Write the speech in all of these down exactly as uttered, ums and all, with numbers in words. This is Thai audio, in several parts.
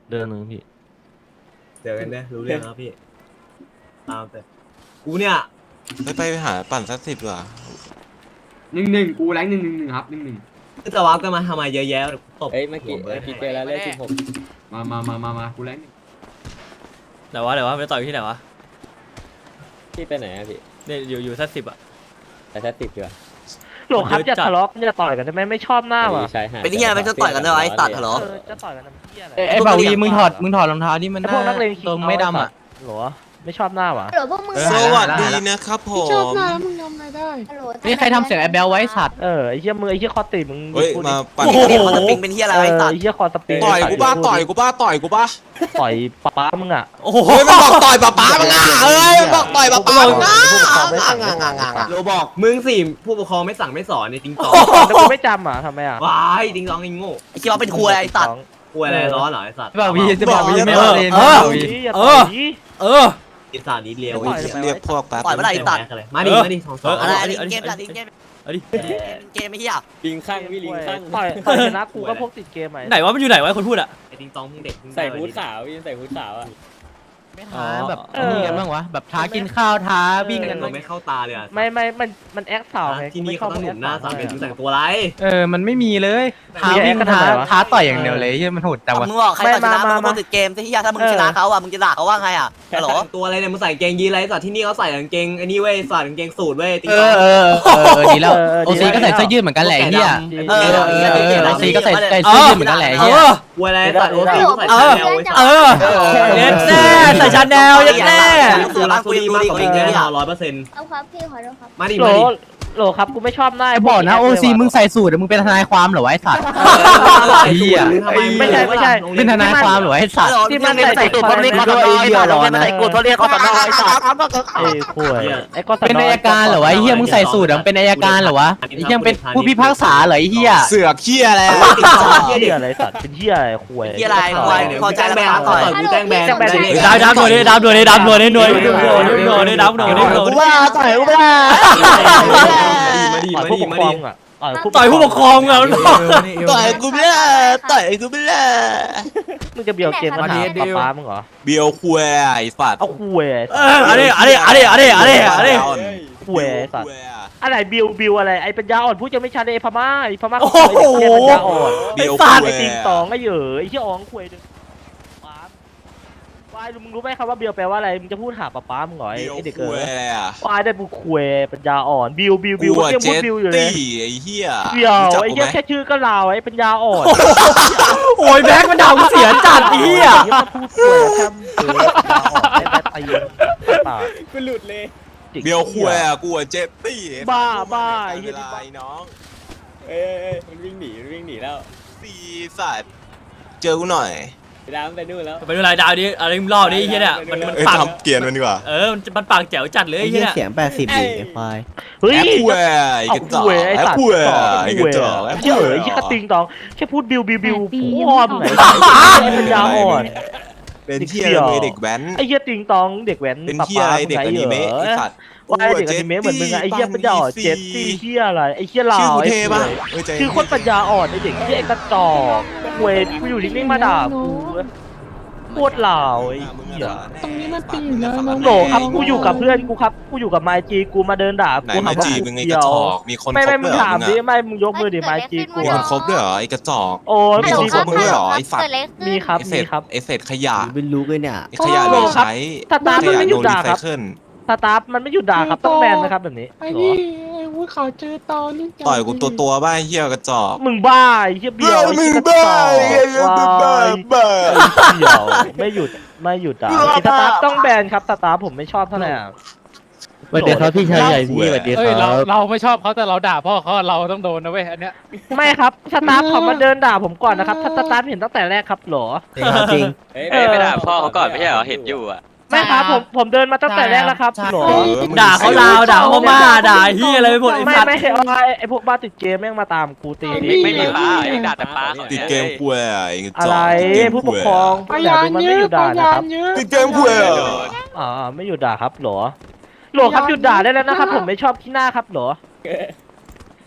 เดือนหนึ่งพี่เดี๋ยวกันเนี่ยรู้เรื่องแล้วพี่ตามแต่กูเนี่ยไปไปหาปั่นสักสิบว่ะหนึ่งหนึ่งกูแรงหนึ่งหนึ่งหนึ่งครับหนึ่งหนึ่งจะวับกันมาทำไมเยอะแยะตบเอ้ยเมื่อกี้เมื่อกี้เจอแล้วเลขสิบหกมามามามามากูแรงหนึ่งไหนวะไหนวะไปต่อยที่ไหนวะพี่ไปไหนอะพี่เนี่ยอยู่อยู่สักสิบอะไปแค่สิบดีกว่าโหลครับจะทะเลาะจะต่อยกันได้ไหมไม่ชอบหน้าว่ะใช่ฮะเป็นที่อะไรจะต่อยกันด้วยไอ้ตัดเหรอเออจะต่อยกันทำเหี้ยอะไรไอ้บ่าวีมึงถอดมึงถอดรองเท้านี่มันไอ้พวกนักเลงตรงไม่ดำอ่ะหรอไม่ชอบหน้าว่ะฮัลโหลพวกมึงสวัสดีนะครับผมชอบหน้ามึงทำอะไรได้ฮัลโหลนี่ใครทำเสียงไอ้แบลไว้สัตว์เออไอ้เหี้ยมือไอ้เหี้ยคอตีมึงเฮ้ยมาปั่นโอ้โหมันจะปิงเป็นที่อะไรเอไอ้อตัดไอ้เหี้ยคอสปริงต่อยกูบ้าต่อยกูบ้าต่อยกูบ้าต่อยป้ามึงอ่ะโอ้โหเฮ้ยมันบอกต่อยป้าป้ามึงอ่ะเอ้ยมันบอกต่อยป้าป้ามึงอ่ะโรบอกมึงสิผู้ปกครองไม่สั่งไม่สอนในติงตองแต่กูไม่จำอ่ะทำไมอ่ะว้ายติงตองไอ้โง่ไอ้คิดว่าเป็นครัวไอ้ตัดกลัวอะไรร้อนเหรอไอ้สัตว์บ่าวีจะบ่าวีไม่เอเอาอเลยเอนะอบ่าวีอย่าต่อยดิเออไอ้สัตว์นี้เลี้ยวไม่ต่อยเรียกพวกแป๊บปล่อยเมื่อไหร่ตัดมาดิมาดิสองสองอะไรเอาดิอันนี้เอาดิเกมตัดเกมเอาดิเกมไม่เหี้ยลิงข้างพี่ลิงข้างต่อยต่อยชนะกูก็พวกติดเกมไหมไหนวะมันอยู่ไหนวะคนพูดอะไอ้ติงตองมึงเด็กมึงใส่ฮู้ดขาวพี่ใส่ฮู้ดขาวอ่ะไม่ท้าแบบนี่กันบ้างวะแบบท้ากินข้าวท้าวิ่งกันมันไม่เข้าตาเลยอ่ะไม่ไม่มันมันแอคสาวไงที่นี่เขาต้องหนุ่มหน้าสามเป็นมึงแต่งตัวไรเออมันไม่มีเลยท้ามีแอวิ่คงกันท้าทำไมวะท้าต่อยอย่างเดียวเลยที่มันโหดจังวะมึงบอกใครต่อยชนะมึงก็ติดเกมที่เหี้ยถ้ามึงชนะเขาอ่ะมึงจะด่าเขาว่าไงอ่ะฮัลโหลตัวอะไรเนี่ยมึงใส่เกงยีนไรสัตว์ที่นี่เขาใส่กางเกงไอ้นี่เว้ยใส่กางเกงสูทเว้ยติงเอตออง เออเออดีแล้วโอซีก็ใส่เสื้อยืดเหมือนกันแหละเฮียเออเออเออโอซีก็ใส่ใส่เสื้อยืดเหมือนกันแหละเอเฮียอกลัวอะไรสัตว์โอ้ยใส่เออแนวเออเย็ดแน่ใส่ชาแนลเย็ดแน่เสือรักสุรีมากกว่าเองแน่นอนร้อยเปอร์เซ็นต์เอาครับพี่ขอโทษครับมาดิโหลมาดิโหลครับกูไม่ชอบหน้าไอ้บอกนะโอซีมึงใส่สูทมึงเป็นทนายความเหรอวะไอ้สัตว์เฮียไม่ใช่ไม่ใช่เป็นทนายความเหรอไอ้สัตว์ที่มันใส่กูเพราะเรียกเขาต่อยไอ้ตัดมันใส่กูเพราะเรียกเขาต่อยไอ้ตัดไอ้ข่วยไอ้ก็เป็นอัยการเหรอวะไอ้เฮียมึงใส่สูทมึงเป็นอัยการเหรอวะไอ้เฮียเป็นผู้พิพากษาเหรอไอ้เฮียเสือกเขี้ยอะไรติงตองเหี้ยอะไรสัตว์เป็นเหี้ยอะไรข่วยที่อะไรควายพอใจแล้วต่อยกูแจ้งแบนดาวดาวหน่วยดิดาวหน่วยดิดาวหน่วยดิหน่วยหน่วยหน่วยดิดาวหน่วยดิหน่วยกูว่าต่อยกูไม่ได้มาดิต่อยมาผู้ดิปกมาครอดิงอ่ะต่อยต่อยผู้ปกครองอะต่อยกูไม่ได้ต่อยกูไม่ได้มึงจะเบียวเกมมาหาป๊าป๊ามึงเหรอเบียวคุยไอ้สัตว์เอาข่วยเอออันนี้อันนี้อันนี้อันนี้อันนี้อันนี้ข่วยสัตว์อะไรบิวบิวอะไรไอ้ปัญญาอ่อนพูดจะไม่ชัดเลยพม่าไอ้พม่าโอ้ไอ้โหเหี้ยปัญญาอ่อนเบียวฟาดคุไอ้ยติงตองไอ้เหยอไอ้เหี้ยอ๋องข่วยดึงป๊าบวายมึงรู้ไหมครับว่าบิวแปลว่าอะไรมึงจะพูดหาป๊าป๊ามึงเหรอไอ้เบียวไอ้เด็กคุเอ๋ยยอะไรอ่ะวายได้บุกข่วยปัญญาอ่อนบิวบิวบิวกูเรียกเจพูดตบิวอยู่เลยตี้ไอ้เหี้ยเดียวรู้จักไอ้กูเหี้ยไหมแค่ชื่อก็ลาวไอ้ปัญญาอ่อนโอ้ยแบ็คมันด่ากูเสียจัดอีอ่ะเหี้ยพูดข่วยแค่เออปัญญาอ่อนไอ้แม่ตีนปากกูหลุดเลยเบียวคุยอ่ะกูเจตตี้บ้าบ้าไอ้ไอ้เหี้เหี้ยยไอ้น้องเอ้ยเอ้ยมันวิ่งหนีมันวิ่งหนีแล้วสีสัตว์เจอกูหน่อยดาวไปนู่นแล้วไปดูรายดาวดิอะไรมึงล่อดิไอ้เหี้ยเนี่ยมันมันเอ้ยปากทำเกียร์มันดีกว่าเออมันมันปากแจ๋วจัดเลยไอ้เหี้ยเสียงแปดสิบดิไอ้ควายเฮ้ยแอปคุยไอ้กระจอกไอ้แอปสัตว์คุยไอ้กระจอกแอปเชื่คุอย ไอ้ยี่กระติงตองแค่พูดบิวบิวบิวแปดปีพ่อมึงไหนไอ้ปัญญาอ่อนเป็นเที่ยอะไรเด็กแว้นไอ้เหี้ยติงตองเด็กแว้นเป็นป๊าเที่ยป๊าอะไรมึงเด็กไหนอนิเหรเมะอไอ้สัตว์ว่าไอ้เด็กอนิเมะเหมือนมึงอะไอ้เหี้ยปัญญาอ่อนเจ็ดซี่เหี้ยอะไรไอ้เหี้ยลาชื่อวกูไอ้เทเหี้ปะยเฮ้ยใจคือคนปัญญาอ่อนไอ้เด็กที่ไอ้กระจอกเวทกูอยู่นิ่งๆมาด่ากูโคตรลาวไอ้เหี้ยตรงนี้มันปีอยู่แล้วน้องโหลครับกูอยู่กับเพื่อนกูครับกูอยู่กับไมจีกูมาเดินด่าไหนกูมาหาว่าจีบกูมึงไอ้กเดีระยวจอกมีคนคไม่บไม่ด้มึวยงเหรอถามมึงดิอะไม่มึงยกมือดิไมจีกูมีคนคบด้วยเหรอไอ้กระจอกโอ้ยไม่มีคบมึงด้วยเหรอไอ้สัตว์มีครับไอ้เศมีษครับไอ้เศษขยะเป็นลูกเลยเนี่ยไอ้ขยะเหลือใช้สตาร์ทมันไม่หยุดด่าไอ้ครับขยะโนรีไซเคิลสตาฟมันไม่หยุดด่าครับต้องแบนนะครับแบบนี้ไอ้เหรนี่อไอ้วุ้ยเขาเจอตอนนี่ต่อยกูตัวตัวๆบ้าไอ้เหี้ยกระจอกมึงบ้าไอ้เหี้ยเบี้ยวไอ้มึเหี้งยกระบ้าจอกไอ้เหี้ยมึงบ้าว้ายบ้าไอ้เบี้ยวไม่หยุดไม่หยุดด่าไอ้สตาฟต้องแบนครับสตาฟผมไม่ชอบเท่าไหร่อะสวัสดีครับพี่ชายใหญ่พี่สวัสดีคเอ้ยรัเราบเราไม่ชอบเขาแต่เราด่าพ่อเขาเราต้องโดนนะเว้ยอันเนี้ยไม่ครับสตาฟเขามาเดินด่าผมก่อนนะครับถ้าสตาฟเห็นตั้งแต่แรกครับเหรอจริงเอ้ยเออไปด่าพ่อเขาก่อนไม่ใช่เหรอเห็นอยู่อ่ะไม่ครับผมผมเดินมาตั้งแต่แรกแล้วครับเหรอเออมึงด่าเขาลาวด่าเขาพม่าด่าเหี้ยอะไรไปหมดไอ้ไม่สัตว์ไม่เอาไอ้ไอ้พวกบ้าติดเกมแม่งมาตามกูตีไม่ไม่มีป้าเองด่าแต่ป้าเขาติดเกมคุยอะไอ้กระจอะอกไรติดเกมผู้ปคุกยครองพอย่ายานดูมันเยไม่หยุอะดด่าพนะยาคน รับเยอะติดเกมคุยอะอ่าไม่หยุดด่าครับเหรอโหลครับหยุดด่าได้แล้วนะครับผมไม่ชอบที่หน้าครับเหรอ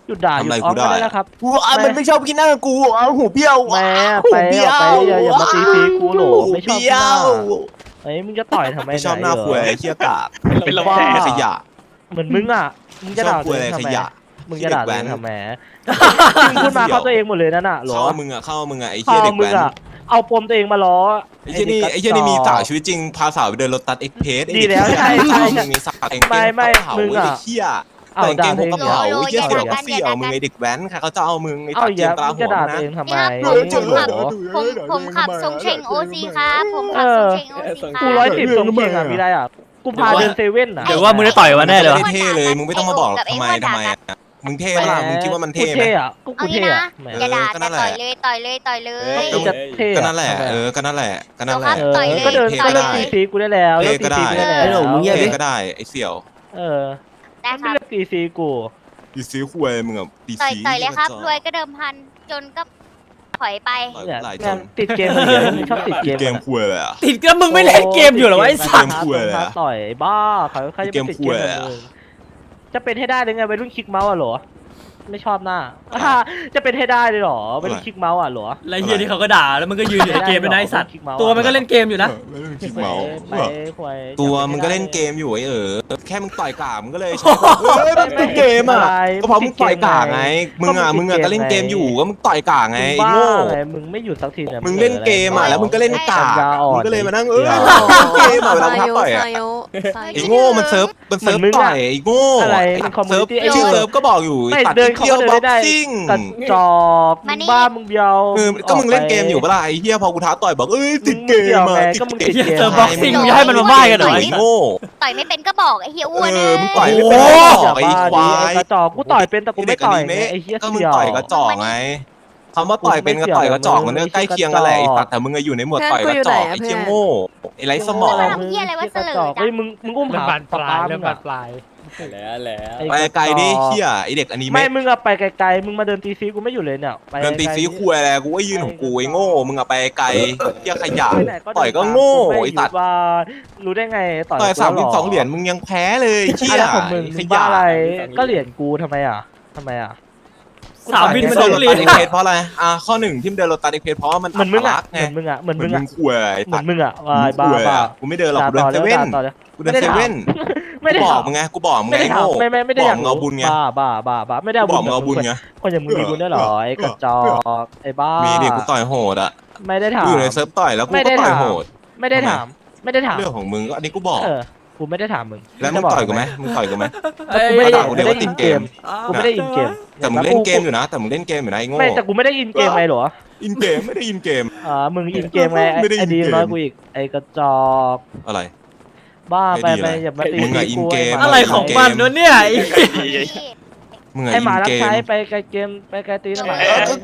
หยุดด่าหยุดอ้อนก็ได้แล้วครับกูอ่ะมันไม่ชอบกินหน้ากูเอาหูเบี้ยวแม่หูไปเบี้ยเอาวไปอย่าอย่ามาตีฟีกูโหลไม่ชอบเบี้หยน้าว เฮ้ยมึงจะต่อยทำไมไม่ชอบหน้าไเควยไอ้เหี้ยกากเป็นบ้าบ้าขยะเหมือนมึงอ่ะมึงจะด่าชอบคตัววยเองทำขไมยะมึงจะด่าตัวเองขี้เด็กแว้นทำไมมึงพูดมาเข้าตัวเองหมดเลยนั่นน่ะหรอเข้ามึงอ่ะเข้ามึงอ่ะไอ้เข้าเหี้ยเด็กมึงแว้นอ่ะเอาปมตัวเองมาล้อไอ้เหี้ยนี่ไอ้เหี้ยนี่มีสาวชีวิตจริงพาสาวไปเดินรถตัดเอ็กเพสดีแล้วใช่ใช่ใช่มีสาวเองไม่ไม่เผามึงอะไอ้เหี้ยเอาแต่งด่าเกงตัวผมเองกระเหรอเป๋าไอ้เหี้ยเสี่ยวก็เสี่ยวมึงไอ้เด็กแว้นใครเขาจะเอามึงไอ้เอาตัดอเกย่ามตรามึงหัจะวด่านะตัวเองทำไมเออจริงเหรอผมผมขับทรงเชงโอซีครับผมขับทรงเชงโอซีคกูรับร้อยสิบตรงเชียงอ่ะมีอะไรอ่ะกูพาเดินเซเว่นอ่ะเดี๋ยวว่ามึงได้ต่อยวันแน่เลยวะไม่เท่เลยมึงไม่ต้องมาบอกหรอกทำไมทำไมอะมึงเท่ปะล่ะมึงคิดว่ามันเท่กูไหมเท่อะก็เอากูงี้เท่นะอะแหมอย่าด่าเออก็นั่แต่นแหต่ละอยเลยต่อยเลยต่อยเลยกูจะเท่ก็อะนั่นแหละทำไมเออก็นั่นแหละก็นั่นแหละเออเออก็เดินเท่ก็ก็เลิกได้ตีซีกูได้แล้วเลิกตีเท่ก็ได้ซีกูได้ไอ้หนูแล้วมึงเงียบดิเท่ก็ได้ไอ้เสี่ยวเออได้คไม่รับเลิกตีซีกูดีซีควยมึงอ่ะดีต่อยซีต่อยเลยครับ รวยก็เดิมพันจนก็ถอยไปเนี่ยหลายจงานนติดเกมเหมือนเดิมมึงชอบติดเกมเกมอะควยเลยอ่ะติดก็มึงไม่เล่นเกมอยู่เหรอวะไอ้สัตว์เกมคุยเลยอะต่อยบ้าเขาใครจะไปติดเกมเกมคุยเลยกับอะมึงจะเป็นให้ได้เลยไงไปรุ่นคลิกเมาส์อ่ะเหรอไม่ชอบหน้าอ่าจะเป็นให้ได้เลยเหรอไปรุ่นคลิกเมาส์อ่ะเหรอแล้วเฮียที่เขาก็ด่าแล้วมันก็ยืนอยู่ในเกมเป็นไอ้สัตว์ตัวมันก็เล่นเกมอยู่นะไม่ต้องคิดเมาไปควายตัวมึงก็เล่นเกมอยู่ไอ้เออแค่มึงต่อยกามึงก็เลยใช้แบบเฮ้ยมันเป็นเกมอ่ะก็เพราะมึงต่อยกาไงมึงอ่ะมึงอ่ะก็เล่นเกมอยู่ก็มึงต่อยกาไงไอ้บ้าโง่ไงมึงไม่หยุดสักทีเนี่ยมึงเล่นเกมอ่ะแล้วมึงก็เล่นกาปัญญาอ่อนมึงก็เลยมานั่งเออเล่นเกมอ่ะเวลามึงท้าต่อยอ่ะไอ้โง่มันเซิร์ฟมันเซิร์ฟต่อยไอ้โง่อะไรไอ้มันคอมมูเซินิร์ฟตี้ไอ้ชื่อเอเซิอร์ฟก็บอกอยู่ไม่ตัดเดินเที่ยวเข้าบ็ไปอกได้ซิ่งกระจอกมานี่บ้ามึงเบียวเออก็มึงเล่นเกมอยู่ปะล่ะไอ้เหี้ยพอกูท้าต่อยบอกเอ้ยติดเกมอ่ะก็มึงติดเกมเจอบ็อกซิ่งมึงจะให้มันมาบ้ากันเหรอไอ้โง่ต่อยไม่เป็นก็บอกไอ้เฮียอ้วนเอเลอย มึงต่อยไม่เป็นโอ้ก็บอกไอ้ควายกระจอกกูต่อยเป็นแต่กูไม่ต่อยไงไอ้เหี้ยก็มึงเสี่ยวต่อยกระจอกไงคำว่าต่อยเป็นกับต่อยกระจอกมันก็ใกล้เคียงกันแหละไอ้สัตว์แต่มึงอะอยู่ในหมวดต่อยกระจอกไอ้เคียงโง่ไอ้ไรสมองทำเหี้ยอะไรวะเสลอจังเฮ้ยมึงมึงอุ้มเริ่มหาบานปลายมึเริ่มงบาอะนปลายแล้วแล้วไปไกลดิเฮียไอเด็กอันนี้ไม่ไม่มึงอะไปไกลๆมึงมาเดินตีซีกูไม่อยู่เลยเนี่ยไปเดินตีซีไกลๆคุยอะไรกูก็ยืนของกูไอ้โง่มึงอะไปไกลเฮียขยะไปไหนเดินต่อยก็ตามโง่ไม่ไอ้ตัดว่ารู้ได้ไงต่อยต่อยกูสามแล้สิวบสองเหรียญมึงยังแพ้เลยเฮียอะไรของมึงขมึงบ้ายะอะไรก็เหรียญกูทำไมอ่ะทำไมอ่ะสามวินมัมันนโดเดินนเรีรยถนตัดเอ็กเพสเพราะอะไรอ่ะข้อหนึ่งที่มันเดินรถตัดเอ็กเพสเพราะว่ามันเหมือนมึงอ่ะอัตลักษณ์เหมือนมึงอ่ะเหมือนเหมืมึอนงมึอ่ะงคุยเหมือนมึงอ่ะวายบ้าคุยบ้าอะกูไม่เดินหรอกด่ากูเดินต่อเซเลยเว่นด่าต่อเลยกูเดินเซเว่นไม่ได้กูบถาอมกมึงไงกูบอกมึงไม่ไงได้ถามโง่ไม่ไม่ไม่ได้บออกยากมึงเอาบุญไงบ้าบ้าบ้าบ้าไม่ได้เอาบบุอญกมึงเอาบุญไงคนอย่างมึงมีบุญได้วยเหรอไอ้กระจอกไอ้บ้ามีมีดิกูต่อยโหดอ่ะไม่ได้ถามกูอยู่ในเซิร์ฟต่อยแล้วกูไม่ก็ได้ต่อยถามโหดไม่ได้ถาม ไม่ได้ถามเรื่องของมึงก็อันนี้กูบอกเออกูไม่ได้ถามมึงแล้วมึงต่อยกูไหมมึงต่อยกูไหมกูไม่ได้ด่ากูไม่เดี๋ยวได้ว่าติอิดนเกเกมมกูไม่ได้อินเกมแต่มึงเล่นเกมอยู่นะ แต่มึงเล่นเกมอยู่นะไอ้โง่ไม่แต่กูไม่ได้อินเกมไงเหรออินเกมไม่ได้อินเกมอ่ามึงอินเกมไงไอ้ไม่ได้อิไอ้นดีเกมน้อยกูอีกไอ้กระจอกอะไรบ้าไปไอ้ดีไปอะไรอย่ามาตีมึงอะอินเกมอะไรของมันวะเนี่ยไอ้มึงอะไอ้อิหมาน รับเกมใช้ไปไกลเกมไปไกลตีนนะหมา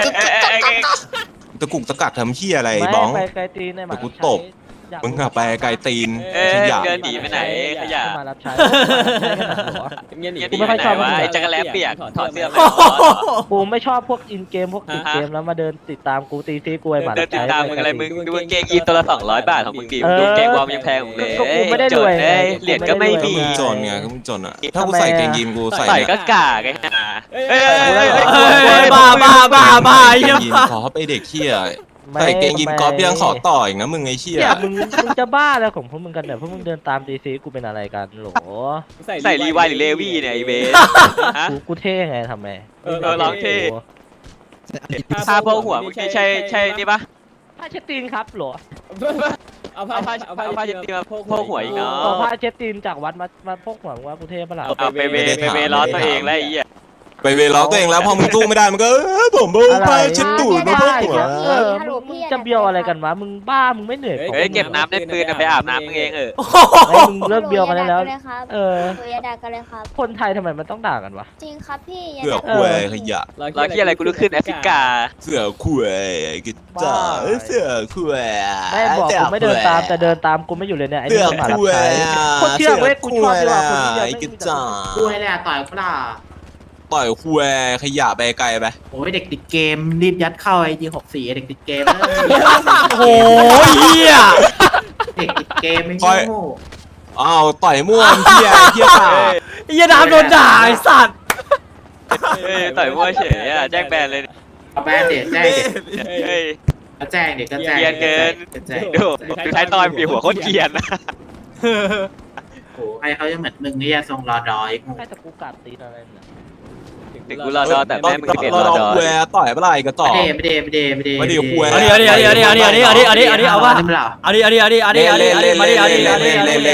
ตะกุกตะกักทำเหี้ยอะไรไม่บ้องไปไกลตีนไอ้หมาเดี๋ยวกูรับใช้ตบอยากมึงอะไปไกลตีนเอ้ยขยะเดินหนีไปไหนขยะไอ้หมารับใช้เงี้ยหนีกูไม่ค่อยชอบว่ามันไอ้จักรแลเปียกถอดเสื้อไปกูไม่ชอบพวกอินเกมพวกติดเกมแล้วมาเดินติดตามกูตีซีกูไอ้หมาเดิรันบติดใช้ตามมึงอะไรมึงดูกางเกงยีนตัวละสองร้อยบาทของมึงดิเออดูกางเกงวอร์มยังแพงของเลยก็กูไม่ได้รวยจนเอ้ยเหรียญก็ไม่ก็มีมึงจนไงก็มึงจนอ่ะถ้ากูใส่เกงยีนกูใส่ใส่ก็เนี่ยกากไอ้ห่าเอ้ยเฮ้ยบ้าบ้าบ้าบ้าไอ้เหี้ยยีนขอไปเด็กเหี้ยใส่เกงยีนกอล์ฟยังขอต่ออีกนะมึงไอ้เหี้ยเนี่ยมึงมึงจะบ้าแล้วของพวกมึงกันเนี่ยพวกมึงเดินตามตีซีกูเป็นอะไรกันโหลใส่รีไวหรือเลวี่เนี่ยไอ้เบสฮะกูกูเท่ไงทำไมเออเออลองเท่ ผ้าโพกหัวมึงใช่ใช่ใช่นี่ปะผ้าเช็ดตีนครับโหลเอาผ้าเอาผ้าเอาผ้าเช็ดตีนมาโพกหัวอีกเนาะเอาผ้าเช็ดตีนจากวัดมามาพกหัวมึงว่ากูเท่ปะล่ะเอาไปเวไปเวล้อตัวเองแล้วไอ้เหี้ยไปเวล้อตัวเองแล้วพอมึงสู้ไม่ได้มันก็เออผมเอาไปเช็ดตูดมาพวกหัวเออมึงจะเบียวอะไรกันวะมึงบ้ามึงไม่เหนื่อยเฮ้ยเก็บน้ำในปืนไปอาบน้ำมึงเองเออเฮ้ยมึงเลิกเบียวกันได้แล้ว เอออย่าด่ากันเลยครับคนไทยทำไมมันต้องด่ากันวะจริงครับพี่อย่าเสือด่าคุยขยะรอยที่อะไรกูลุกขึ้นแอฟริกาเสือคุยกิจ้าเสือคุยไม่บอกกูไม่เดินตามแต่เดินตามกูไม่อยู่เลยเนี่ยไอ้เสืนี่อหมารับคุยใช้โคตรเชื่อเว้ยกูชอบดีกว่าคนที่เดียวไอ้ไม่กิมีจ้ากูให้แหละต่อยกูด่าต่อยคุยขยะไปไกลไปโอ้ยเด็กติดเกมรีบยัดเข้าไอจีหกสี่เด็กติดเกมโอ้ยเหี้ยเด็กติดเกมไม่โง่อ้าวต่อยม่วนเหี้ยเหี้ยตาไอ้เหี้ยดามโดนด่าไอ้สัตว์เฮ้ยต่อยมั่วเฉยอ่ะแจ้งแบนเลยเอาแบนเด็ดแจ้งเด็ดเฮ้ยก็แจ้งเด็กก็แจ้งเกรียนเกินก็แจ้งดูดูท้ายตอนปีหัวโคตรเกรียนนะโอ้ให้เขาจะเหมือนมึงนี่ทรงรอดอยกูใครตะกูกัดตีนอะไรเนี่ยถึงกูรอดอแต่แม่มึงเกลียดรอเราดอแวร์ต่อยเมื่อไหร่ก็ต่อไม่เดไม่เดไม่เดไม่เดไม่ได้คุยเอาดิเอาดิเอาดิเอาดิเอาดิเอาดิเอาดิเอาดิเอาดิเอาว่าเอาดิเอาดิเอาดิเอาดิเอาดิเอาดิมาดิเอาดิเอาดิเอาดิเอาดิเอาดิเอาดิ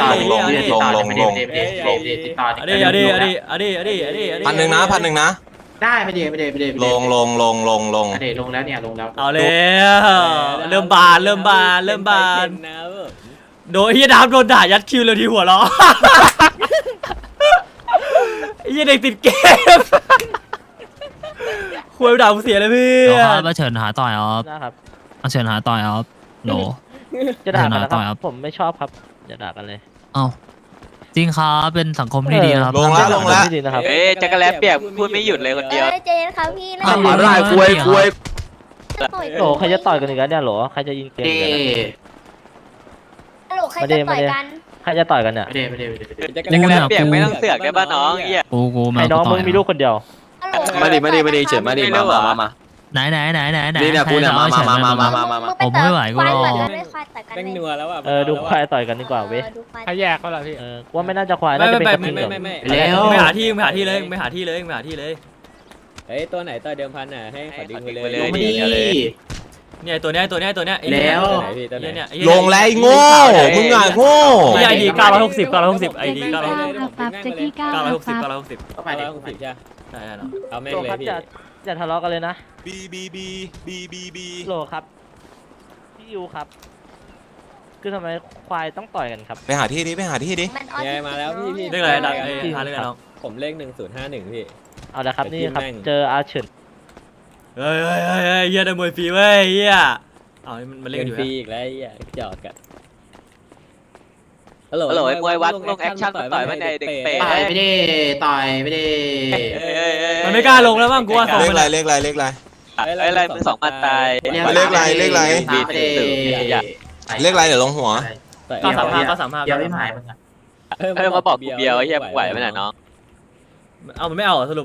ติดต่อเอาดิเอาดิเอาดิเอาดิเอาดิเอาดิเอาดิพันหนึ่งนะพันหนึ่งนะได้ไม่เดไม่เดไม่เดลงลงลงลงลงเดลงแล้วเนี่ยลงแล้วเอาแล้วเริ่มบานเริ่มบานเริ่มบานโดยเฮียดามโดนด่ายัดคิวเลยทีหัวเราะเฮียเด็กติดเกมคุยด่าผมเสียเลยพี่ครับมาเชิญหาต่อยครับนะครับมาเชิญหาต่อยครับโหลจะด่ากันนะต่คอยครัรับ บผมไม่ชอบครับอย่าด่ากันเลยเอ้าจริงครับเป็นสังคมที่ดีนะครับลงแล้วลงแล้วไม่ดีนะครับเอ้ยจักรแลเปียกพูดไม่หยุดเลยคนเดียวเจนครับพี่เล่นอ่ะมาได้คุยคุยต่อยโหลใครจะต่อยกันอีกแล้วเนี่ยโหลใครจะยิงเกมเดกันเนี่ยฮัลโหลใครจะต่อยกันใครจะต่อยกันเนี่ยไม่เดไม่เดไม่เดจักรแลเปียกไม่ต้องเสือกได้ป่ะน้องเหี้ยกูกูมาไอ้น้องมึงมีลูกคนเดียวฮัลโหลมาดิมาดิมาดิเฉินมาดิมามามามาไหนไหนไหนไหนไหนนี่เนี่ยกูเนี่ยมามามามามามามาผมไม่ไหวกูรอควายต่อยกันเลยเออดูควายต่อยกันดีกว่าเว้ยดูควายใครแยกเขาล่ะพี่เออว่าไม่น่าจะควายน่าจะเป็นกระทิงเหลืองแล้วไม่หาที่ไม่หาที่เลยไม่หาที่เลยไม่หาที่เลยเฮ้ยตัวไหนตัวเดิมพันน่ะให้ขอดึงไปเลยลงมาดิเนี่ยตัวเนี้ยตัวเนี้ยตัวเนี้ยแล้วเนี่ยเนี่ยลงแล้วไอ้โง่มึงอ่ะโง่ไอดีเก้าร้อยหกสิบเก้าร้อยหกสิบไอดีเก้าร้อยหกสิบครับแจ็คกี้ก้าเก้าร้อยหกสิบเก้าร้อยหกสิบเข้าไปเด็กใช่ใช่เนาะเอาแม่งโหลเลยครับพี่อย่าอย่าทะเลาะกันเลยนะบีบีบีบีบีบีโหลครับพี่ยูครับ คือทำไมควายต้องต่อยกันครับไปหาที่ดิไปหาที่ดิมันออไงมาแล้วพี่พี่เรียกอะไรดักไอ้หาเรียกอะไรน้องผมเลขหนึ่งศูนย์ห้าหนึ่งพี่เอาละครับไปนี่ที่ครับแม่งเจออาเฉินเฮ้ยเฮ้ยเฮ้ยเฮ้ยเฮียได้มวยฟรีเว้ยเฮียเอามันมันเล่เล่นนอยู่ฟรีนะอีกแล้วไอ้เหี้ยจอดกันฮัลโหลฮัลโหลไอ้มวยวัดลงแอคชั่นต่อยมันในเด็กเป๋ต่อยไม่ได้ต่อยไม่ได้มันไม่กล้าลงแล้วมั้งกูว่าสองเลขมันอะไรเลขอะไรเลขอะไรไอ้อะไรมึงสองพันตายเลขอะไรเลขอะไรบีไม่ได้เลขอะไรเดี๋ยวลงหัวเก้าสามห้าเก้าสามห้าเดี๋ยวไม่หมายมึงอ่ะเออมาบอกกูเบียวไอ้เหี้ยมึงไหวไหมน่ะน้องเอามันไม่เอาสรุป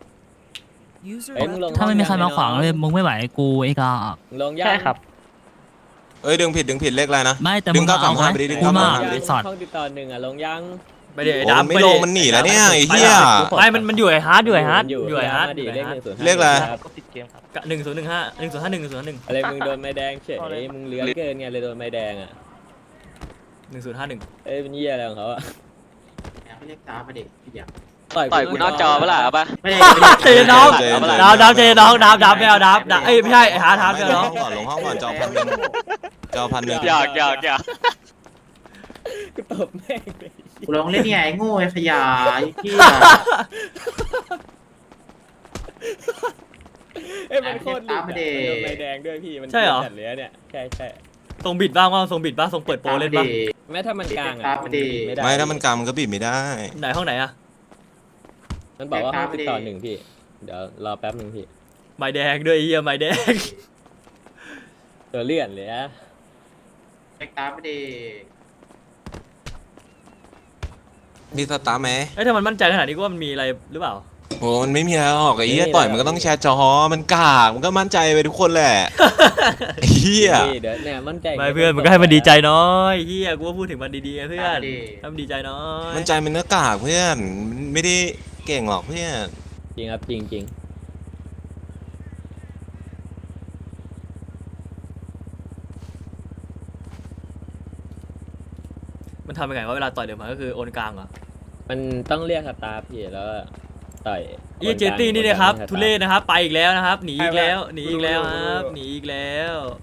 ถ้าไม่มีใครมาขวางเลยมึงไม่ไหวกูไอ้กาลงยากใช่ครับเอ้ยดึงผิดดึงผิดเลขอะไรนะไม่แต่ดึมึงงเก้าสาเอามไหมห้าไปดิดึงกูเก้ามาสามห้าไปดิสอดห้องติดต่อหนึ่งอ่ะลงยังไปเดี๋ยวโอ้ดับมันไม่ลงมันหนีแล้วเนี่ยไอ้เหี้ยไม่มันมันอยู่ไอ้ฮาร์ดอยู่ไอ้ฮาร์ดอยู่ไอ้ฮาร์ดดิเลขหนึ่งศูนย์เลขอะไรก็ติดเกมครับหนึ่งศูนย์หนึ่งห้าหนึ่งศูนย์ห้าหนึ่งหนึ่งศูนย์ห้าหนึ่งอะไรมึงโดนไม้แดงเฉยมึงเลื้อนเกินไงเลยโดนไม้แดงอ่ะหนึ่งศูนย์ห้าหนึ่งเอ้ยเป็นเหี้ยอะไรของเขาอ่ะไม่เรียกตาประเด็กอย่างต่อยกูนอกจอปะล่ะเอาปะไม่ได้เจน้องดับดับเจน้องดับดับไม่เอาดับดับเอ้ยไม่ใช่ไอ้ฮาร์ดฮาร์ดไม่ไม่ลเอางน้องห้องก่อนลงห้องก่อนจอพันหนึ่งจอพันหนึ่งหยอกหยอกหยอกกูตบแม่งเลยกูลองเล่นไงโง่ขยายที่เอ้ยมันโคตรหลุดอะโดนไม้แดงด้วยพี่มันจัดเลยเนี่ยใช่ใช่ทรงบิดบ้างว่าทรงบิดบ้างทรงเปิดโปรเล่นบ้างแม้ถ้ามันกลางอ่ะไม่ได้ไม่ถ้ามันกำมันก็บีบไม่ได้ไหนห้องไหนอะมันบอกว่าห้องติดต่อหนึ่งพี่เดี๋ยวรอแป๊บนึงพี่ใบแดงด้วยเฮียใบแดงตัวเลื่อนเลยอะเล็กตาไม่ได้มีสตาร์ไหมเอ้ยถ้ามันมั่นใจขนาดนี้ก็ว่ามันมีอะไรหรือเปล่าโอ้มันไม่มีอะไรหรอกไอ้เหี้ยต่อยมันก็ต้องแชร์จอมันกากมันก็มั่นใจไปทุกคนแหละไอ้เหี้ยเดี๋ยวเนี่ยมั่นใจไม่เพื่อนมันก็ให้มันดีใจน้อยเฮียกูว่าพูดถึงมันดีๆไงเพื่อนให้มันดีใจน้อยมั่นใจมันก็กากเพื่อนมันไม่ได้เก่งหรอกเพื่อนจริงครับจริงจริงมันทำยังไงว่าเวลาต่อยเดี๋ยวมันก็คือโอนกลางเหรอมันต้องเรียกสตาร์พี่แล้วต่อยเอเจตี้นี่นะครับทุเรศนะครับไปอีกแล้วนะครับหนีอีกแล้วหนีอีกแล้วครับหนีอีกแล้ว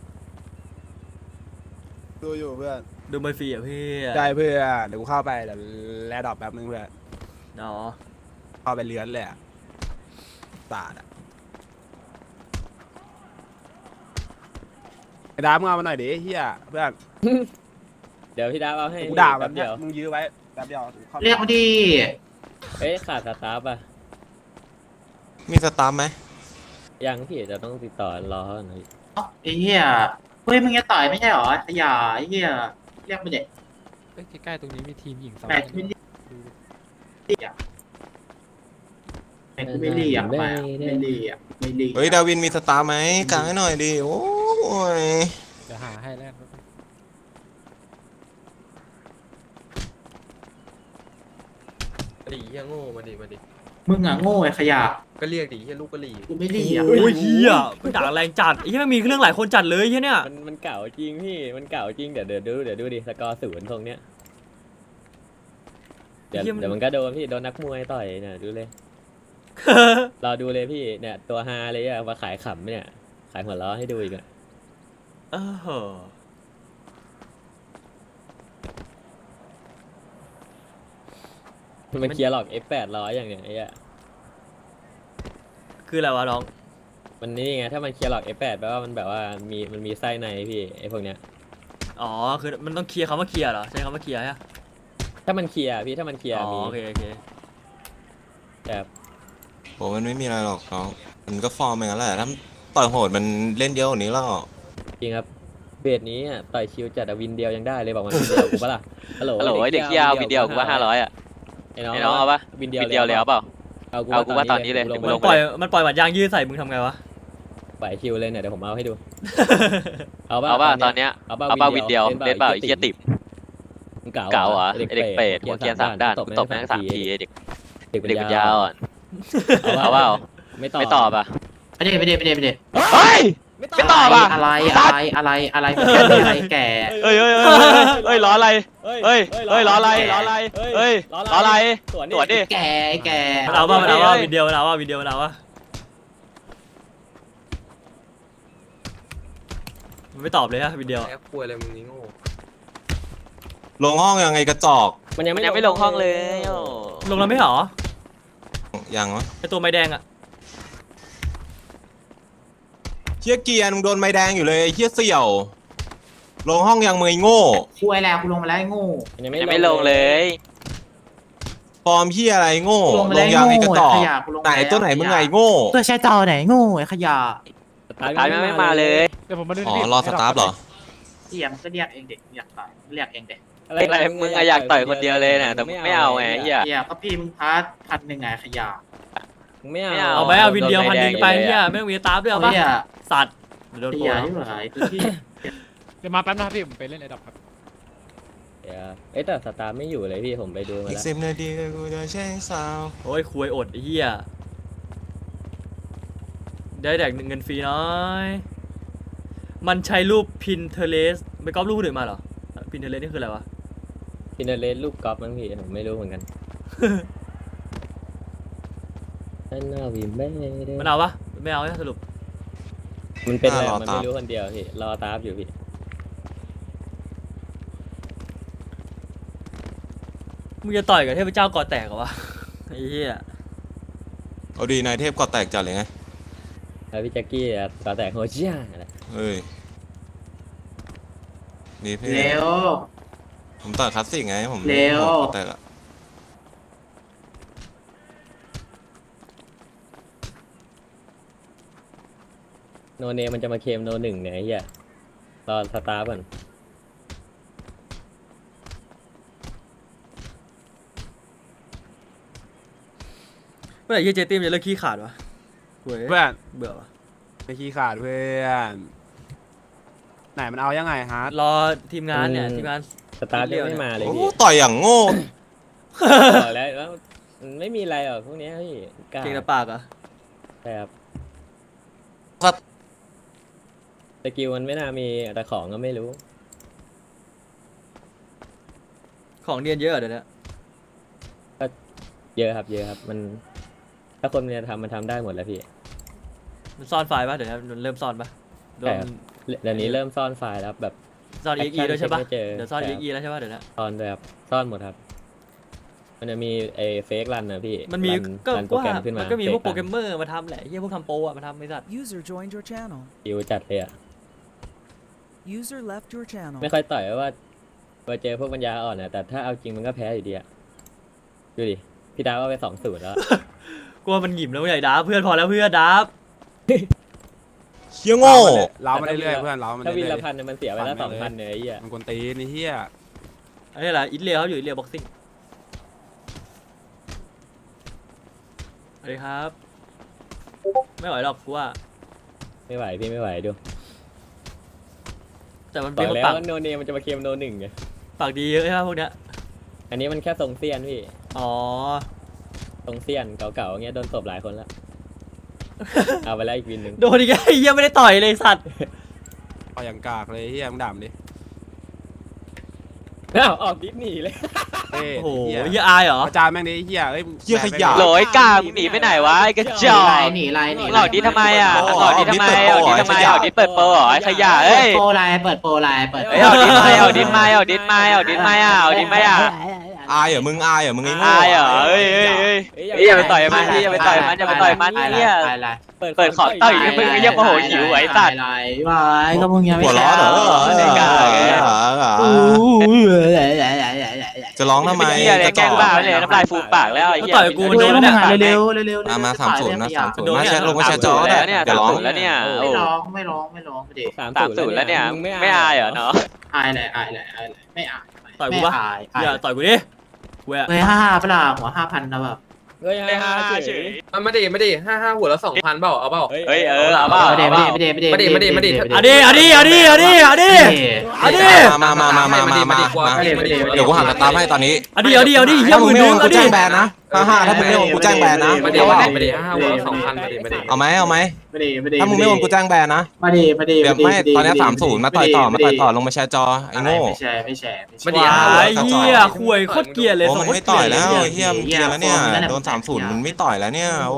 ดูอยู่เพื่อนดูไม่ฟรีอ่ะพี่ได้เพื่อนเดี๋ยวกูเข้าไปเดี๋ยวแลดดอกแป๊บนึงเพื่อนเนาะเข้าไปเลื้อนเลยอะตาดอะไอ้ดามึงเอามาหน่อยดิเฮียเพื่อนเดี๋ยวพี่ดาวเอาให้กูด่าแบแป๊บบเดียวมึงยื้อไว้แป๊บเดียวเข้าไปเรียกมาดิเอ้ยขาดสตาร์ป่ะมีสตาร์ไหมยังพี่จะต้องติดต่อรอหน่อยไอ้เหี้ยเฮ้ยมึงจะต่อยไม่ใช่หรอขยายไอ้เหี้ยเรียกมาเด็กใกล้ๆตรงนี้มีทีมหญิงสองแปดขึ้นดิกูไม่รีอ่ะไปไม่รีอ่ะไม่รีเฮ้ยดาวินมีสตาร์ไหมกางให้หน่อยดิโอ้ยเดี๋ยวหาให้แรกดีเฮียโง่มาดิมาดิมึงอ่ะโง่ไอ้ขยะก็เรียกดิเฮียลูกกะหรี่กูไม่รีอ่ะโอ้ยเฮียมันด่าแรงจัดไอ้เฮียมันมีเรื่องหลายคนจัดเลยเฮียเนี่ยมันมันเก่าจริงพี่มันเก่าจริงเดี๋ยวเดี๋ยวดูเดี๋ยวดูดิสกอร์ศูนย์ตรงเนี้ยเดี๋ยวเดี๋ยวมันก็โดนพี่โดนนักมวยต่อยเนี่ยดูเลย รอดูเลยพี่เนี่ยตัวฮาเลยอะมาขายขำเนี่ยขายหัวล้อให้ดูอีกอะเออมันเคลียร์หรอก เอฟ แปดร้อยอย่างเนี้ยไอ้อะคืออะไรวะน้องมันนี่ไงถ้ามันเคลียร์หรอก เอฟ แปด แปลว่ามันแบบว่ามีมันมีไส้ในพี่ไอ้พวกเนี้ยอ๋อคือมันต้องเคลียร์คำว่าเคลียร์เหรอใช้คำว่าเคลียร์ใช่ไหมถ้ามันเคลียร์พี่ถ้ามันเคลียร์อ๋อมีโอเคโอเคแบบโหมันไม่มีอะไรหรอกน้องมันก็ฟอร์มอย่างนั้นแหละถ้าต่อยโหดมันเล่นเยอะกว่านี้แล้วจริงครับเบสนี้อะต่อยชิวจัดอะวินเดียวยังได้เลยบอกมันวินเดียวกูปะล่ะฮัลโหลฮัลโหลไอ้เด็กเหี้ยเอาวิดีโอกูว่าห้าร้อยอ่ะไอ้น้องไอ้น้องเอาปะวินเดียววิดีโอเลยเอาเปล่าเอากูเอากูว่าตอนนี้เลยลงมึไปงมันปล่อยมันปล่อยหมัดยางยืดใส่มึงทำไงวะไหวชิวเลยเนี่ยเดี๋ยวผมเอาให้ดู เอาปะเอาป่ะตอนเนี้ยเอาปะเอาเปล่าวิดีโอเล่นเปล่าไอ้เหี้ยติบเก่าเก่าเหรอไอ้ไอ้เด็กเปรตหัวเกียร์สามด้านมึงตบแม่งสามทีไอ้เด็กเด็กปัญญาอ่อนเอาเปล่าไม่ตอบไม่ตอบอ่ะไม่ได้ไม่ได้ไม่ได้ไม่ได้เฮ้ยไม่ตอบอ่ะอะไรอะไรอะไรอะไรอะไรแก่เอ้ยเอ้ยเอ้ยเอ้ยล้ออะไรเอ้ยเอ้ยล้ออะไรล้ออะไรเอ้ยล้ออะไรสวนตรวจดิแก่แก่มันเอาว่ามันเอาว่าวิดีโอมันเอาว่าวิดีโอมันเอาว่ามันไม่ตอบเลยฮะวิดีโอแอปป่วยอะไรมึงนี่โง่ลงห้องยังไงกระจอกมันยังมันไม่ยังไม่ลงห้องเลยโอ้ลงแล้วไม่เหรอยังวะไอตัวไม้แดงอะเฮียเกียร์มึงโดนไม้แดงอยู่เลยไอ้เฮียเสี่ยว ลงห้องยังมือโง่คุยแล้วกูลงมาแล้วโง่มันยังมันยังไม่ไม่ลงเลยฟอร์มเฮียอะไรโง่ลงมาลแล้วงยังไงกระจอกขยะกูลงไหนตัวไหนมึงไงโง่ตัวใช้จอไหนโง่ไอ้ขยะตายไม่มาเลยเดี๋ยวผมมาดูอ๋อรอสตาร์ทเหรอเสียมก็เรียกเองเด็กอยากต่อยเรียกเองเด็กอะไรมึงอะอยากต่อยคนเดียวเลยนะแต่ไม่เอาไงเหี้ยเสียก็พี่มึงพาร์ทพันหนึ่งไงขยะไม่ไม่เอาเอาเอาไหมเอาวินเดียวพันหนึ่งไปเฮียไม่ต้องมีสตาฟด้วยเอาปะเสียสัตว์เดี๋ยวโดนเสีตัวยที่ไหนคือที่เดี๋ยวมาแป๊บนะครับพี่ผมไปเล่นไอ้ดอกครับเดี๋ยวเอ้ยแต่สตาร์ไม่อยู่เลยพี่ผมไปดูมาอีกแล้วสิบนาทีกูจะแช่งสาวโอ้ยคุยอดไอ้เฮียได้แดกเงินฟรีน้อยมันใช้รูป Pinterest ไปก๊อปรูปคนอื่นมาเหรอ Pinterest นี่คืออะไรวะพินาเลสลูกกอล์ฟมั้งพี่ผมไม่รู้เหมือนกันนั่นน่าวิมไม่ได้มันเอาปะไม่เอาใช่สรุปมันเป็นอะไรมันไม่รู้คนเดียวพี่รอตาฟอยู่พี่มึงจะต่อยกับเทพเจ้าก่อแตกเหรอวะไอ้เหี้ยเอาดีนายเทพก่อแตกจัดเลยไงแล้วพี่แจ็คกี้อะตาแตกโฮชิยาอะไรเฮ้ยดีพี่เร็วผมต่อยคลาสสิกไงผมเร็วก่อแตกอะโนเนมันจะมาเคลมโนหนึ่งเนี่ยไอ้เหี้ยรอสตาร์ก่อนเมื่อไหร่เหี้ยเจตี้มนจะเลิกขี้ขาดวะเว้ยเพื่อนเบื่อวะไปขี้ขาดเพื่อนไหนมันเอายังไงฮะรอทีมงานเนี่ยทีมงานสตาร์ยังไม่มาเลยโอ้พี่ต่อยอย่างโง่บอกแล้วว่ามันไม่มีอะไรหรอกพวกเนี้ยพี่กล้าเก่งแต่ปากเหรอะใช่ครับสกิลมันไม่น่ามีแต่ของก็ไม่รู้ของเรียนเยอะอะเดี๋ยวนี้เยอะครับเยอะครับมันถ้าคนมันจะทำมันทำได้หมดแล้วพี่มันซ่อนไฟล์ปะเดี๋ยวนี้มันเริ่มซ่อนปะโดใช่นครับเดี๋ยวนี้เริ่มซ่อนไฟล์แล้วแบบซ่อน เอ็กซ์ อี ด้วยใช่ปะไม่เจอเดี๋ยวซ่อนใช่เอ็กซ์ อีแล้วใช่ปะเดี๋ยวนี้ซ่อนด้วยครับซ่อนหมดครับ มันจะมีไอ้เฟกรันนะพี่มันมีรันก็รันโปรว่าแกรมขึ้นมัมานก็มีพวก fake โปรแกร run มเมอร์มาทำแหละเฮียพวกทำโปรอะมาทำไม่สัตว์ User joined your channel. คิวจัดเลยอ่ะ User left your channel. ไม่ค่อยต่อยเพราะว่าพอเจอพวกปัญญาอ่อนนะแต่ถ้าเอาจริงมันก็แพ้อยู่ดีอ่ะดูดิพี่ดาวว่าไปสองศูนย์แล้วกลัวมันหยิบแล้วใหญ่ดับเพื่อนพอแล้วเพื่อนดับเฮียโง่เรามาเรื่อยๆเพื่อนเรามาถ้าวินเรื่ละอยพันเนี่ยมันเสียไปแล้วสองพันเนี่ยไอ้เหี้ยๆมันกวนตีนไอ้เหี้ยอันนี้แหละอิตเลียเขาอยู่อิตเลียบ็อกซิ่งสวัสดีครับ ไม่ไหวหรอกกูว่าไม่ไหวพี่ไม่ไหวดูแต่มันบเป็อน กคนแล้วปากว่าโนเนมมันจะมาเคลมโนหนึ่งไงปากดีเยอะใช่ไหมพวกเนี้ยอันนี้มันแค่ทรงเซียนพี่อ๋อทรงเซียนเก่าๆเงี้ยโดนตบหลายคนแล้ว เอาไปแล้วอีกวินหนึ่งโดนอีกไอ้เหี้ยไม่ได้ต่อยเลยสัตว์เอาอย่างกากเลยเฮียมึงด่ามดิอ้าวออกดิสนีย์เลยเอ้ยโอ้โหเฮียเหี้ยอายเหรอประจานแม่งดิเฮียเอ้ยเหี้ยขยะโหลไอ้กล้ามึงหนีไปไหนวะไอ้กระจอกหนีไรหนีมึงออกดิทำไมอ่ะมึงออกดิทำไมออกดิทำไมออกดิเปิดโปรเหรอไอ้ขยะเอ้ยโปรไลน์เปิดโปรไลน์เปิดเอ้ยออกดิไม่ออกดิไม่ออกดิไม่ออกดิไม่อ่ะออกดิไม่อ่ะอายเหรอมึงอายเหรอมึงไอ้โง่อายเหรอเอ้ยเอ้ยเอ้ยเอ้ยอย่าไปต่อยมันพี่อย่าไปต่อยมันอย่าไปต่อยมันเนี่ย เปิดขอต่อยมึงเรียกโมโหหิวไอ้สัตว์ไรวายก็มึงยังไม่หัวร้อนเหรอไอ้กล้าจะร้องทำไมเหี้ยเลยแกล้งบ้าเลยน้ำลายฟูมปากแล้วไอ้เหี้ยต่อยกูมันโดนแล้วเนี่ยเร็วเร็วเร็วมามาสามศูนย์นะสามศูนย์โดนมาเนี่ยแชทลงมาแชทจอแล้ได้วเนี่ยเดี๋ยวร้องแล้วเนี่ยไม่ร้องไม่ร้องไม่ร้องไม่ดีสามสามศูนย์แล้วเนี่ยไม่อายเหรอเนาะอายเลยอายเลยอายเลยไม่อายต่อยกูปะไม่อายอย่าต่อยกูดิเว้ยเฮ้ยห้าห้าเปล่าหัวห้าพันนะแบบเฮ้ยไม่ห้าอายห้าเฉเฉยยมันไม่ได้ไม่ได้ห้าห้าหัวละสองพันเปล่าเอาเปล่าเฮ้ยเออเอาเปล่าไม่ได้เอาเปไม่ล่าได้ไม่ได้ไม่ได้ไม่ได้ไม่ได้ไม่ได้เอาดิเอาดิเอาดิเอาดิเอาดิเอาดิมามามามามามามาเดี๋ยวกูหักสตาร์ทให้ตอนนี้เอาดิเอาดิเอาดิเหี้ยถ้าหมึงมื่นไม่หโอนึ่งนเอาดิกูแจ้งแบนนะฮ่าฮ่าถ้ามึงไม่โอนกูแจ้งแบนนะไม่ได้เอาเปล่าไม่ได้ห้าหัวละสองพันไม่ได้ไม่ได้เอาไหมเอาไหมไม่ได้ไม่ได้ถ้ามึงไม่โอนกูแจ้งแบนนะไม่ได้ไม่ได้เดี๋ยวไม่ตอนนี้สามศูนย์มาต่อยต่อมาต่อยต่อลงมาแชร์จอไอ้โง่ไม่ใช่ไม่ใช่ไม่ใช่ไม่ได้ไอ้เหี้ยข่วยโคตรเกลียดเลยโอ้สมันโคตรไม่ต่อยแล้วเกไอ้เฮียมันเกลียร์แล้วเนี่ยโดนสามศูนย์มันไม่ต่อยแล้วเนี่ยโอ้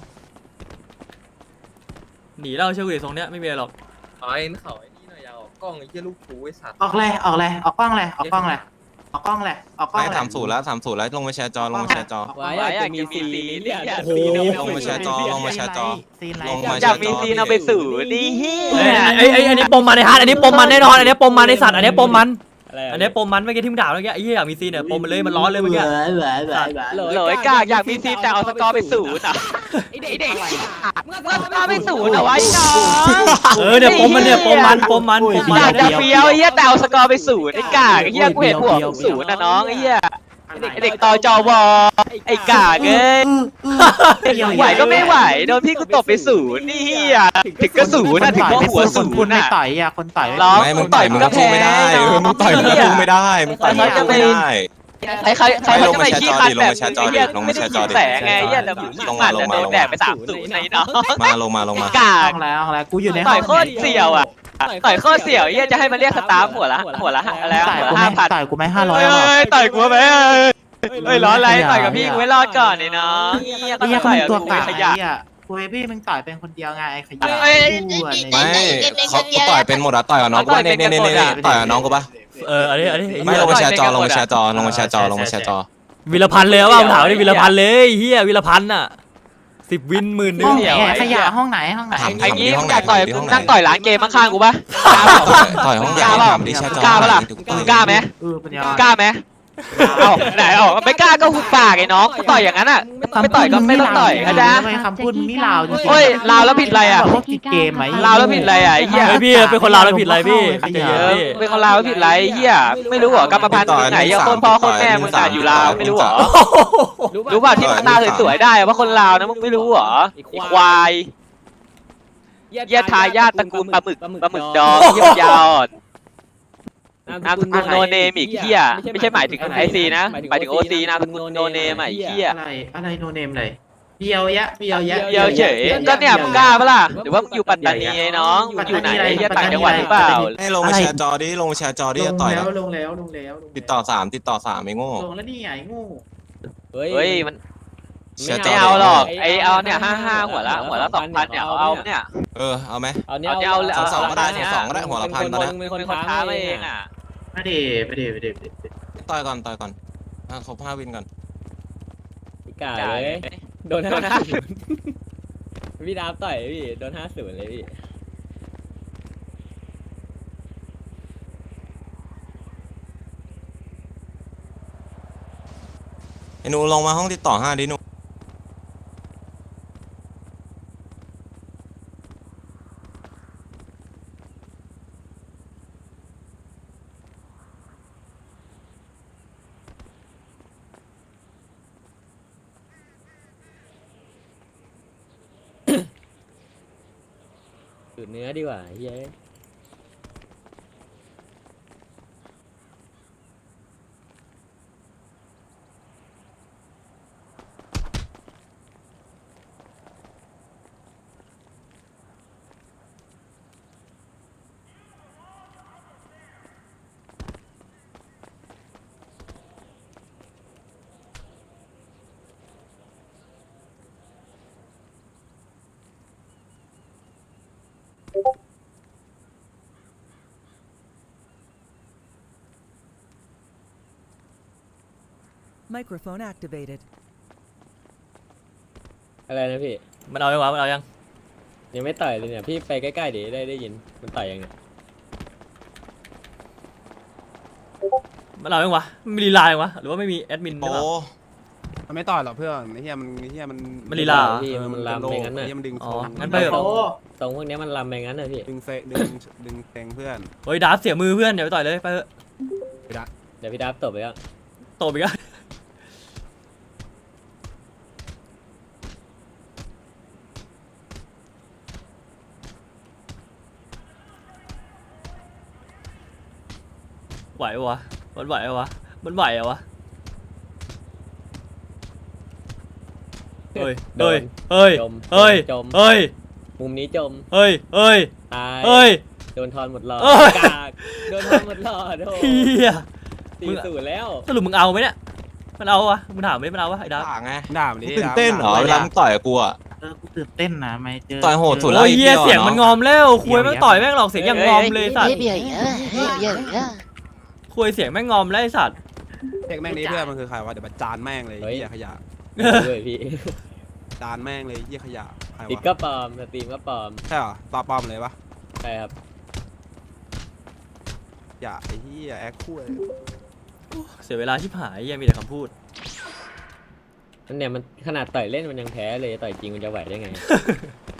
หนีเราเชื่อกูดิทรงเนี้ยไม่มีอะไรหรอกไอ้เขาไอ้นี่หน่อยอยาออกกล้องไอ้เหี้ยลูกชูไอ้สัตว์ออกเลยออกเลยออกกล้องเลยออกกล้องเลยออกกล้องเลยออกกล้องไม่เลยสามศูนย์แล้วสามศูนย์แล้วลงมาแชร์จอลงมาแชร์จอวายอยากจะมีซีเนี่ยโอ้โหลงมาแชร์จอลงมาแชร์จอซีนไรลงมาอยากมีซีนเอาไปสู่นี่เฮียไอ้ไอ้ไอ้อันนี้ปมมันไอ้ฮาร์ดอันนี้ปมมันแน่นอนอันนี้ปมมันไอ้สัตว์อันนี้ปมมันอะไรอันนี้ปมมันเมื่อกี้ที่มึงด่าเมื่อกี้ไอ้เหี้ยอยากมีซีนเนี่ยปมมันเลยมันร้อนเลยเมื่อกี้เหลือเหลือเหลือโหลไอ้กล้าอยากมีซีนแต่เอาสกอร์ไปสู่อ่ะไอ้เด็กเด็กมึงเอาสกอร์ไปสู่เอาไว้น้องเออเนี่ยปมมันเนี่ยปมมันปมมันปมมัอน ยากจะเฟี้ยวไอ้เหี้ยแต่เอาสกอร์ไปสู่ไอ้กากไอ้เหี้ยกูเห็นหัวมึงศูนย์นะน้องไอ้เหี้ยไอ้เด็กต่อจอวอไอ้กากเอ้ยไหวก็ไม่ไหวโดนพี่กูตบไปศูนย์นี่เหี้ยถึงก็ศูนย์นะถึงก็หัวศูคนนย์ไม่น่ะต่อยอ่ะคนต่อยร้องไม่มึงต่อยมึงก็สู้ไม่ได้เออมึงต่อยมึงก็สู้ไม่ได้มึงต่อยมึงก็สู้ไม่ได้ใครใครใครเขาจะไปขี้คันแบบลงมาแชร์จอดิเหี้ยลงไม่มาแชได้ร์จยิอง ดิแสงไงเหี้ยแต่มึงลงมัมาน ลแต่งโดมาน ลงแดมาดไปสามศูนย์ในน้องมาลงมาลงมากากแล้วแล้วกูอยู่ในต่อยโคตรเสี่ยวอ่ะต่อยโคตรเสี่ยวเหี้ยจะให้มันเรียกสตาฟหัวละหัวละอะไรต่อยหัวกูละไม่ห้าพันต่อยกูไม่ห้าร้อยเอ้ยต่อยกูไหมเอ้ยร้อนอะไรต่อยกับพี่กูไม่รอดก่อนนี่น้องเหี้ยก็ไอ้เหี้ยต่อยตัวกูกากขไอ้ยะเหี้ยกูไอ้พี่มึงต่อยเป็นคนเดียวไงไอ้ขยะเอ้ยกูอ่ะไม่เขากูต่อยเป็นหมดอะต่อยกับน้องกูปะเนี่ยเนี่ยเนี่ยเนี่ยต่อยกับน้องกูปะเอออันนี้อันนี้ไม่ลงมาแชร์จอลงมาแชร์จอลงมาแชร์จอลงมาแชร์จอวีรพันธ์เลยว่าถามดิวีรพันธ์เลยเฮียวีรพันธ์อ่ะสิบวินหมื่นหนึห้อง งไหนขยะห้องไหนห้องไหนไอ้งี้มึงอยากต่อยนั่งต่อยร้านเกมข้างๆกูปะกล้าเปล่าต่อยห้องไหนถามดิแชร์จอกล้าปะล่ะกล้าไหมเออปัญญากล้าไหมเอ้าไหนเอ้าไม่กล้าก็หุบปากไอ้น้องต่อยอย่างนั้นอ่ะไม่ต่อยก็ไม่ต้องต่อยเข้าใจทำไมคำพูดมึงนี่ลาวจริงๆโอ้ยลาวแล้วผิดอะไรอ่ะพวกติดเกมไหมลาวแล้วผิดอะไรอ่ะไอ้เหี้ยเฮ้ยพี่เป็นคนลาวแล้วผิดอะไรพี่เออเป็นคนลาวแล้วผิดอะไรไอ้เหี้ยไม่รู้เหรอกรรมพันธุ์ที่ไหนยังคนพ่อคนแม่มึงอ่ะอยู่ลาวไม่รู้เหรอรู้ป่ะที่มึงหน้าสวยๆได้ว่าคนลาวนะมึงไม่รู้เหรอไอ้ควายเหี้ยทายาทตระกูลปลาหมึกปลาหมึกดองเหี้ยยาวนามสกุลโนเนมอีกเหี้ยไม่ใช่หมายถึงไอซีนะหมายถึงโอซีนามสกุลโนเนมไอ้เหี้ยอะไรอะไรโนเนมเลยเบียวยะเบียวยะเดียวเฉยก็เนี่ยมึงกล้าปะล่ะหรือว่ามึงอยู่ปัตตานีไอ้น้องมึงอยู่ไหนไอ้เหี้ยต่างจังหวัดหรือเปล่าให้ลงมาแชร์จอดิลงมาแชร์จอดิลจะงต่อยแล้แล้ว วลงแล้วลงแล้วติดต่อสามติดต่อสามไอ้โง่ลงแล้วนี่ไงงูเฮ้ยมันไม่เอาหรอกไอเอาเนี่ยห้าห้าหัวละหัวละสองพันเนี่ยเอาเนี่ยเออเอาไหมเอาเนี่ยเอาเนี่ยเอาสองก็ได้สองก็ได้หัวละพันตอนนี้เป็นคนท้ามาเองอ่ะไม่ได้ไม่ได้ไม่ได้ไม่ได้ต่อยก่อนต่อยก่อนครบห้าวินก่อนกาเลยโดนห้าศูนย์พี่ดาวต่อยพี่โดนห้าศูนย์เลยพี่ไอ้หนูลงมาห้องติดต่อห้าดิหนูสูตรเนื้อดีกว่าเฮ้ย Microphone activated. อะไรนะพี่มันเอายังวะมันเอายังยังไม่ต่อยเลยเนี่ยพี่ไปใกล้ๆดิได้ได้ยินมันต่อยยังเนี่ยมันเอายังวะมันมีลีลายังวะหรือว่าไม่มีแอดมินหรือโอ้เปล่ามันไม่ต่อยหรอกเพื่อนไอ้เหี้ยมันไอ้เหี้ยมันมันลีลาเหรอพี่มันลำไปงั้นไอ้น่ะเหี้ยมันดึงอ๋อทรงงั้นไปเถอะโอ้ตรงพวกเนี้ยมันลำไปงั้นน่ะพี่ดึงเซดึงดึงเซงเพื่อนเฮ้ยดาบเสียมือเพื่อนเดี๋ยวไปต่อยเลยไปเถอะเดี๋ยวพี่ดับตบไปแล้วตบอีกแล้วไหวปะวะมันไหวปะวะมันไหวอะวะเฮ้ยเฮ้ยเฮ้ยจมเฮ้ยจมเฮ้ยมุมนี้จมเฮ้ยเฮ้ยตายเฮ้ยโดนทอนหมดหลอดเอ้ยกากโดนทอนหมดหลอดโอ้เฮียตีสูตรแล้วสรุปมึงเอาไหมเนี่ยมันเอาวะมึงถามไม่มันเอาวะไอ้ดาบต่างไงด่ามันดิตื่นเต้นเหรอเวลามึงต่อยกับกูอะเออกูตื่นเต้นนะไม่เจอต่อยโหดสุดแล้วโอ้ยเฮียไอ้เหี้ยเสียงมันงอมแล้วคุยแม่งต่อยแม่งหลอกเสียงอย่างงอมเลยสัตว์เบียร์เยอะเบียร์เยอะคุยเสียงแม่งงอมแล้วไอ้สัตว์เด็กแม่งนี้เพื่อนมันคือใครวะเดี๋ยวมาจานแม่งเลยไอ้เหี้ยขยะด้วยพี่จานแม่งเลยไอ้เหี้ยขยะใครติดวะก็ปลอมสตรีมก็ปลอมใช่เหรอตาปลอมเลยปะใช่ครับอย่าไอ้เหี้ยแอคคู่เลยเสียเวลาชิบหายเฮียมีแต่คำพูดนั่นเนี่ยมันขนาดต่อยเล่นมันยังแพ้เลยต่อยจริงมันจะไหวได้ไง